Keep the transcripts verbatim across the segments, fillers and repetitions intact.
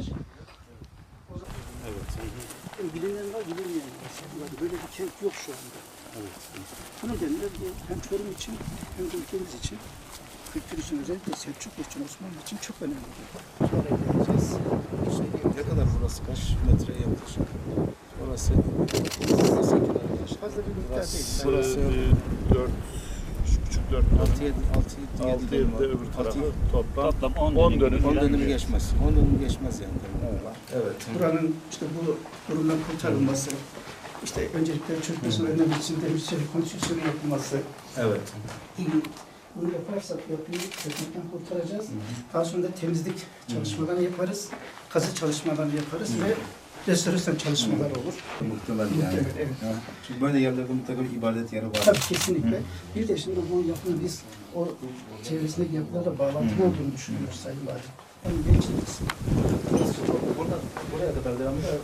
Evet. Yani bilinen var, bilinmeyen var. Böyle bir kent yok şu anda. Evet. Bu nedenle bu hem Çorum için hem de ülkemiz için, kültür için, özellikle Selçuklu için, Osmanlı için çok önemli. Sonra geleceğiz. Ne kadar burası? Kaç metre yaklaşık? Orası Fazla bir miktar değil. Burası dört, üç buçuk dört altı yedi altı yedi de öbür tarafı toplam Toplam on on dönüm. on dönümü geçmez. on dönümü geçmez yani. Evet. Buranın işte bu durumdan kurtarılması, işte öncelikle çökmesini önlemek için demir çelik konstrüksiyonu yapılması. Evet. Bunu yaparsak yapıyı çökmekten kurtaracağız. Daha sonra da temizlik çalışmalarını yaparız, kazı çalışmalarını yaparız ve restorasyon çalışmaları olur. Muhtemelen yani. Evet, evet. Ha. Çünkü böyle yerlerde mutlaka bir ibadet yeri var. Tabii kesinlikle. Bir de şimdi bu yapının biz o çevresindeki yapılarla bağlantılı olduğunu düşünüyoruz Sayın Valim. Yani gençlik kısmı. Burada, buraya kadar devamlı da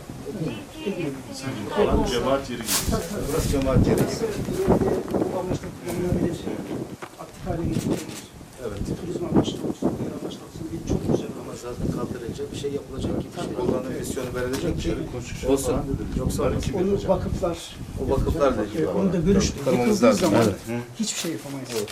Alan cemaat yeri gibi. burası cemaat yeri. Bu amaçla kullanılabilir, aktif hale getirilebilir. Evet. Turizm amaçlı olsun, diğer amaçlı olsun diye çok güzel Ama zaten kaldırınca bir şey yapılacak ki, bir şey kullanım misyonu verilecek ki Konstrüksiyon olsun. falan dediler. Yoksa Bunlar olmaz. kim Onu yapacak? vakıflar, O vakıflar da ilgili. onu da görüştük. Kırmamız Yıkıldığı lazım. zaman Evet. hiçbir şey yapamayız. Evet.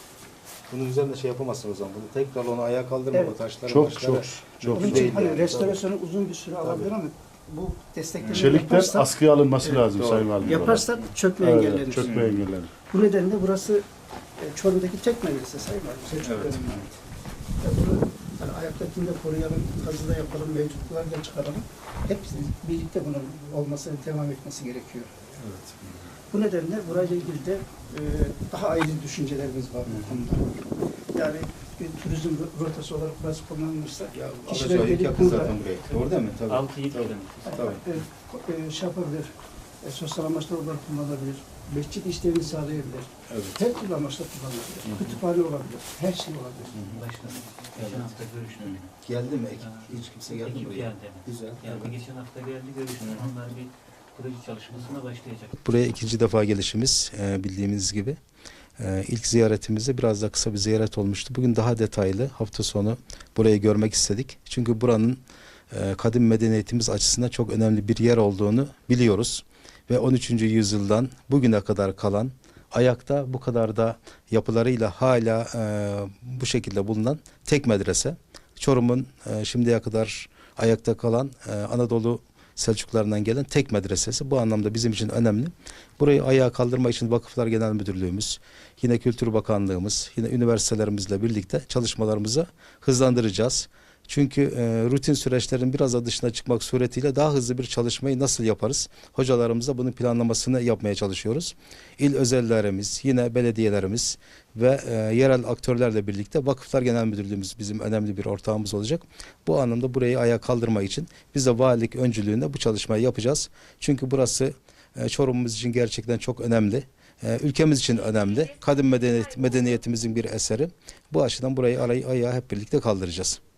Bunun üzerinde şey yapamazsın o zaman. Bunu tekrar onu ayağa kaldırma, Evet. o taşları, Çok başları. çok çok. Onun için değil hani yani. restorasyonu uzun bir süre alabilir ama bu desteklemeyi Çelikler yaparsak, askıya alınması Evet, lazım doğru. Sayın Valim. yaparsak çökme Evet, engellenir. çökme engellenir. Bu nedenle burası e, Çorum'daki tek medrese Sayın Valim. Selçuk Evet. dönemine ait. Ya bunu hani ayaktakini de koruyalım, kazıda yapalım, mevcutları da çıkaralım. Hepsi birlikte bunun olması, devam etmesi gerekiyor. Evet. Bu nedenle burayla ilgili de e, daha ayrı düşüncelerimiz var bu konuda. Yani bir turizm rotası olarak burası kullanılırsa Ya kişiler Alacağı gelip yakın burada zaten buraya. Doğru değil mi? Tabii. altı yedi Tabii. kilometre. Tabii. e, e, şey yapabilir, e, sosyal amaçlar olarak kullanılabilir, mescit işlerini sağlayabilir, Evet. her türlü amaçla kullanılabilir, kütüphane olabilir, her şey olabilir. Başkanım, geçen hafta görüştüm. Geldi mi? Ekip, hiç kimse geldi mi Ekip buraya? geldi. Güzel. Yani geçen hafta geldi görüştüm. Onlar bir proje çalışmasına başlayacak. Buraya ikinci defa gelişimiz e, bildiğimiz gibi. E, ilk ziyaretimizde biraz da kısa bir ziyaret olmuştu. Bugün daha detaylı hafta sonu burayı görmek istedik. Çünkü buranın e, kadim medeniyetimiz açısından çok önemli bir yer olduğunu biliyoruz. Ve on üçüncü yüzyıldan bugüne kadar kalan, ayakta bu kadar da yapılarıyla hala e, bu şekilde bulunan tek medrese. Çorum'un e, şimdiye kadar ayakta kalan e, Anadolu Selçuklularından gelen tek medresesi. Bu anlamda bizim için önemli. Burayı ayağa kaldırma için Vakıflar Genel Müdürlüğümüz, yine Kültür Bakanlığımız, yine üniversitelerimizle birlikte çalışmalarımızı hızlandıracağız. Çünkü e, rutin süreçlerin biraz da dışına çıkmak suretiyle daha hızlı bir çalışmayı nasıl yaparız? Hocalarımızla bunun planlamasını yapmaya çalışıyoruz. İl özellerimiz, yine belediyelerimiz ve e, yerel aktörlerle birlikte Vakıflar Genel Müdürlüğümüz bizim önemli bir ortağımız olacak. Bu anlamda burayı ayağa kaldırmak için biz de valilik öncülüğünde bu çalışmayı yapacağız. Çünkü burası e, Çorum'umuz için gerçekten çok önemli. E, ülkemiz için önemli. Kadim medeniyet, medeniyetimizin bir eseri. Bu açıdan burayı arayı ayağa hep birlikte kaldıracağız.